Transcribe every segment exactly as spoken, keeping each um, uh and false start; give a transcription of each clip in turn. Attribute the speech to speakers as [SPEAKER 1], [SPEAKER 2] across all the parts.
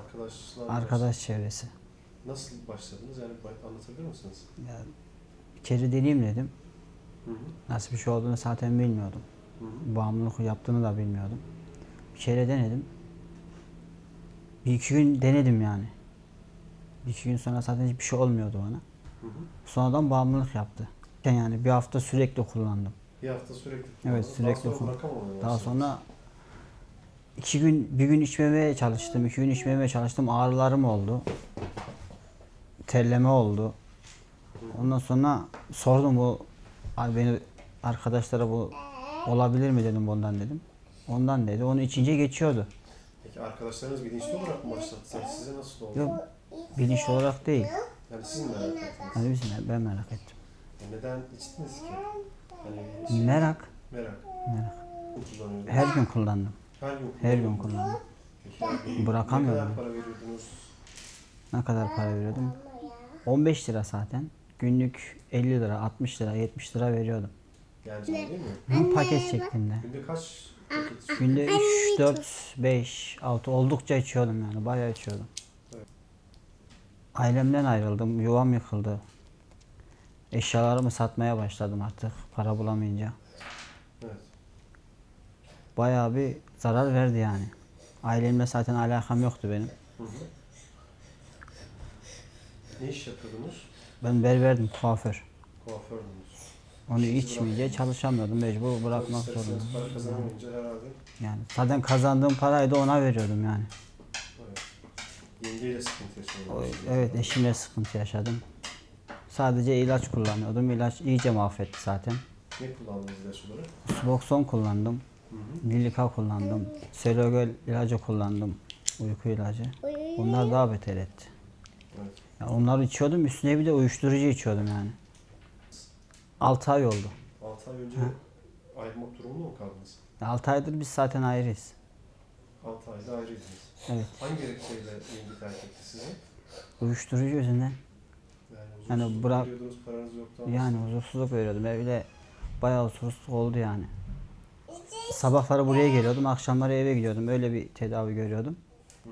[SPEAKER 1] Arkadaşlar
[SPEAKER 2] Arkadaş çevresi.
[SPEAKER 1] Nasıl başladınız? Yani anlatabilir misiniz?
[SPEAKER 2] Ya, bir kere deneyeyim dedim.
[SPEAKER 1] Hı hı.
[SPEAKER 2] Nasıl bir şey olduğunu zaten bilmiyordum.
[SPEAKER 1] Hı hı.
[SPEAKER 2] Bağımlılık yaptığını da bilmiyordum. Bir kere denedim. Bir iki gün denedim yani. Bir iki gün sonra zaten hiçbir şey olmuyordu bana.
[SPEAKER 1] Hı hı.
[SPEAKER 2] Sonradan bağımlılık yaptı. Yani bir hafta sürekli kullandım.
[SPEAKER 1] Bir hafta sürekli
[SPEAKER 2] Evet,
[SPEAKER 1] kullandınız.
[SPEAKER 2] sürekli
[SPEAKER 1] Daha sonra
[SPEAKER 2] kullandım.
[SPEAKER 1] bırakamamaya
[SPEAKER 2] Daha
[SPEAKER 1] başladınız.
[SPEAKER 2] sonra iki gün, bir gün içmemeye çalıştım, iki gün içmemeye çalıştım. Ağrılarım oldu. Terleme oldu. Ondan sonra sordum bu abi beni arkadaşlara bu olabilir mi dedim bundan dedim. Ondan dedi. Onu içince geçiyordu.
[SPEAKER 1] Peki arkadaşlarınız bilinçli olarak mı başlattı? Size nasıl oldu?
[SPEAKER 2] Yok, bilinçli olarak değil.
[SPEAKER 1] Yani siz mi merak ettiniz?
[SPEAKER 2] Hani biz ne- ben merak ettim.
[SPEAKER 1] Yani neden içtiniz ki? Hani şey-
[SPEAKER 2] Merak.
[SPEAKER 1] Merak.
[SPEAKER 2] Merak.
[SPEAKER 1] Kullanıyordunuz.
[SPEAKER 2] Her gün kullandım.
[SPEAKER 1] Her gün
[SPEAKER 2] Her gün
[SPEAKER 1] kullanıyordunuz.
[SPEAKER 2] kullandım.
[SPEAKER 1] Peki yani
[SPEAKER 2] Bırakamıyorum.
[SPEAKER 1] ne kadar para veriyordunuz?
[SPEAKER 2] Ne kadar para veriyordum? on beş lira zaten. Günlük elli lira, altmış lira, yetmiş lira veriyordum.
[SPEAKER 1] Yani şey değil mi?
[SPEAKER 2] Bu paket şeklinde.
[SPEAKER 1] Günde kaç paket içiyorsunuz?
[SPEAKER 2] Günde üç, dört, beş, altı oldukça içiyordum yani. Bayağı içiyordum.
[SPEAKER 1] Evet.
[SPEAKER 2] Ailemden ayrıldım. Yuvam yıkıldı. Eşyalarımı satmaya başladım artık para bulamayınca.
[SPEAKER 1] Evet.
[SPEAKER 2] Bayağı bir zarar verdi yani. Ailemle zaten alakam yoktu benim.
[SPEAKER 1] Hı hı. Ne iş yapıyordunuz?
[SPEAKER 2] Ben berberdim, kuaför.
[SPEAKER 1] Kuafördünüz.
[SPEAKER 2] Onu
[SPEAKER 1] İşinizi
[SPEAKER 2] içmeyince
[SPEAKER 1] bıraktınız.
[SPEAKER 2] çalışamıyordum. Mecbur bırakmak
[SPEAKER 1] İsterseniz
[SPEAKER 2] zorundayım.
[SPEAKER 1] para kazanamayınca herhalde.
[SPEAKER 2] Yani zaten kazandığım parayı da ona veriyordum yani.
[SPEAKER 1] Evet. Yengeyle sıkıntı
[SPEAKER 2] O-
[SPEAKER 1] yaşıyordunuz.
[SPEAKER 2] Evet, eşimle sıkıntı yaşadım. Sadece ilaç kullanıyordum. İlaç iyice mahvetti zaten.
[SPEAKER 1] Ne kullandınız ilaç olarak?
[SPEAKER 2] Suboxone kullandım.
[SPEAKER 1] Hı hı.
[SPEAKER 2] Lilika kullandım. Selogel ilacı kullandım. Uyku ilacı. Onlar daha beter etti.
[SPEAKER 1] Evet.
[SPEAKER 2] Yani onları içiyordum. Üstüne bir de uyuşturucu içiyordum yani. altı ay oldu.
[SPEAKER 1] altı ay önce ayrılmak durumunda mı kaldınız?
[SPEAKER 2] altı aydır biz zaten ayrıyız.
[SPEAKER 1] altı ayda ayrıydınız.
[SPEAKER 2] Evet.
[SPEAKER 1] Hangi gerekçeyle yenge terk etti sizi?
[SPEAKER 2] Uyuşturucu yüzünden.
[SPEAKER 1] Yani
[SPEAKER 2] Yani
[SPEAKER 1] huzursuzluk
[SPEAKER 2] bırak-
[SPEAKER 1] veriyordunuz, paranız yoktu ama
[SPEAKER 2] Yani huzursuzluk veriyordum. Evde bayağı huzursuzluk oldu yani. Sabahları buraya geliyordum, akşamları eve gidiyordum. Öyle bir tedavi görüyordum.
[SPEAKER 1] Hı hı.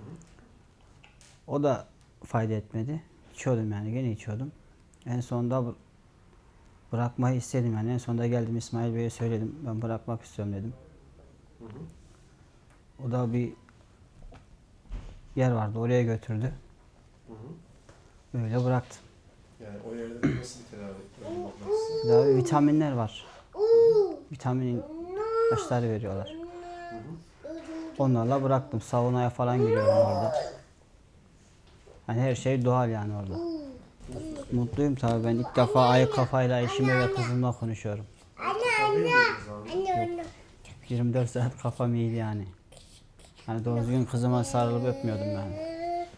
[SPEAKER 2] O da fayda etmedi. İçiyordum yani, gene içiyordum. En sonunda bı- bırakmayı istedim yani. En sonunda geldim İsmail Bey'e söyledim. Ben bırakmak istiyorum dedim.
[SPEAKER 1] Hı hı.
[SPEAKER 2] O da bir yer vardı, oraya götürdü.
[SPEAKER 1] Hı hı.
[SPEAKER 2] Öyle bıraktım.
[SPEAKER 1] Yani o yerde nasıl bir tedavi yapmak size?
[SPEAKER 2] Tedavi vitaminler var. Vitamin ilaçları veriyorlar.
[SPEAKER 1] Hı hı.
[SPEAKER 2] Onlarla bıraktım. Saunaya falan giriyorum orada. Yani her şey doğal yani orada. Mutluyum tabii, ben ilk defa ayık kafayla eşimle ve kızımla konuşuyorum.
[SPEAKER 1] Tabii miydiniz abi?
[SPEAKER 2] yirmi dört saat kafam iyiydi yani. Hani doğru düzgün kızıma sarılıp öpmüyordum yani.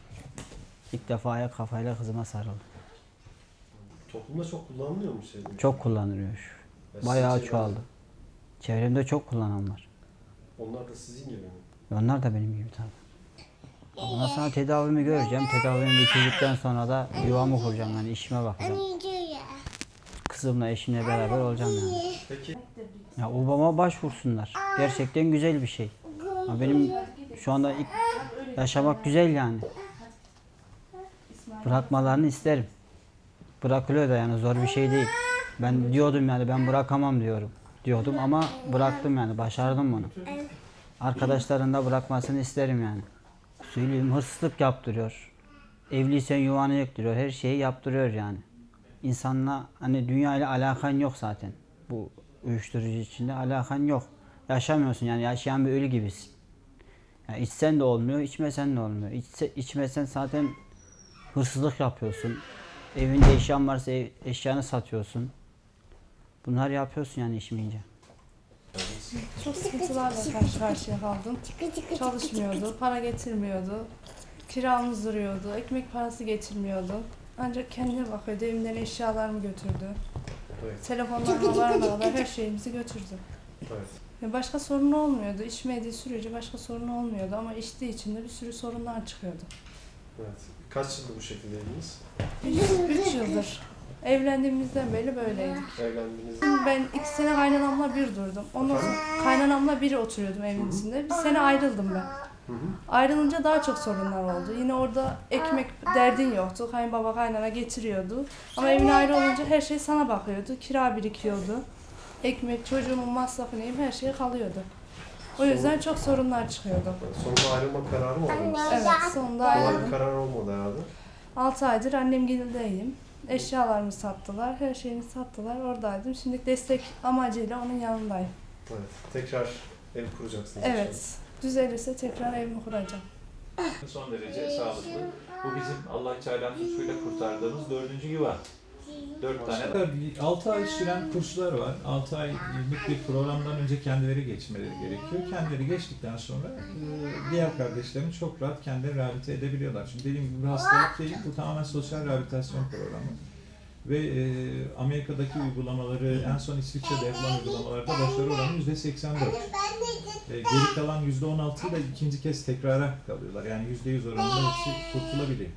[SPEAKER 2] İlk defa ayık kafayla kızıma sarıldım.
[SPEAKER 1] Toplumda çok kullanılıyor mu şey?
[SPEAKER 2] Çok kullanılıyor.
[SPEAKER 1] Ya
[SPEAKER 2] Bayağı
[SPEAKER 1] sizce
[SPEAKER 2] çoğaldı. Çevremde çok kullanan var.
[SPEAKER 1] Onlar da sizin gibi mi?
[SPEAKER 2] Onlar da benim gibi tabii. Ondan sonra tedavimi göreceğim. Tedavimi bitirdikten sonra da yuvamı kuracağım yani, işime bakacağım. Kızımla, eşimle beraber olacağım yani.
[SPEAKER 1] Peki
[SPEAKER 2] Ya obama başvursunlar. Gerçekten güzel bir şey. Ya benim şu anda ilk yaşamak güzel yani. Bırakmalarını isterim. Bırakılıyor da yani, zor bir şey değil. Ben diyordum yani, ben bırakamam diyorum. Diyordum ama bıraktım yani, başardım bunu. Arkadaşların da bırakmasını isterim yani. Söyleyeyim, hırsızlık yaptırıyor. Evliysen yuvanı yıktırıyor. Her şeyi yaptırıyor yani. İnsanla hani dünya ile alakan yok zaten. Bu uyuşturucu içinde alakan yok. Yaşamıyorsun yani, yaşayan bir ölü gibisin. Yani içsen de olmuyor, içmesen de olmuyor. İçse, içmesen zaten hırsızlık yapıyorsun. Evinde eşyan varsa ev, eşyanı satıyorsun. Bunlar yapıyorsun yani içmeyince.
[SPEAKER 3] Çok sıkıntılarla karşı karşıya kaldım. Çalışmıyordu, para getirmiyordu. Kiramız duruyordu, ekmek parası getirmiyordu. Ancak kendine bakıyordu, evimden eşyalarımı götürdü.
[SPEAKER 1] evet.
[SPEAKER 3] Telefonlarına varmadan her şeyimizi götürdü.
[SPEAKER 1] Evet.
[SPEAKER 3] Ya başka sorun olmuyordu. İçmediği sürece başka sorun olmuyordu ama içtiği için de bir sürü sorunlar çıkıyordu.
[SPEAKER 1] Evet. Kaç yıldır bu şekildeydiniz?
[SPEAKER 3] Üç yıldır. Evlendiğimizden beri böyleydik.
[SPEAKER 1] Evlendiğinizde
[SPEAKER 3] Ben iki sene kaynanamla bir durdum. Ondan sonra kaynanamla bir oturuyordum evin içinde. Bir sene ayrıldım ben.
[SPEAKER 1] Hı hı.
[SPEAKER 3] Ayrılınca daha çok sorunlar oldu. Yine orada ekmek derdin yoktu. Kayınbaba kaynana getiriyordu. Ama evine ayrı olunca her şey sana bakıyordu. Kira birikiyordu. Ekmek, çocuğumun masrafı neyim her şey kalıyordu. O yüzden çok sorunlar çıkıyordu.
[SPEAKER 1] Sonunda ayrılma kararı mı aldınız?
[SPEAKER 3] Evet, sonunda
[SPEAKER 1] Kolay bir
[SPEAKER 3] ayrıldım.
[SPEAKER 1] karar olmadı herhalde.
[SPEAKER 3] altı aydır annem gelindeyim. Eşyalarımı sattılar, her şeyimi sattılar. Oradaydım. Şimdi destek amacıyla onun yanındayım.
[SPEAKER 1] Evet. Tekrar ev kuracaksınız.
[SPEAKER 3] Evet. Düzelirse tekrar evimi kuracağım.
[SPEAKER 4] Son derece sağlıklı. Bu bizim Allah-u Teala'nın lütfuyla kurtardığımız dördüncü yuva. Dört tane.
[SPEAKER 5] altı ay süren kurslar var. altı aylık bir programdan önce kendileri geçmeleri gerekiyor. Kendileri geçtikten sonra e, diğer kardeşlerini çok rahat kendileri rehabilite edebiliyorlar. Şimdi dediğim gibi bir hastalık değil, bu tamamen sosyal rehabilitasyon programı. Ve e, Amerika'daki uygulamaları, en son İsviçre'de yapılan uygulamalarda başarı oranı yüzde seksen dört. E, geri kalan yüzde on altı ile ikinci kez tekrara kalıyorlar. Yani yüzde yüz oranında hepsi kurtulabiliyor.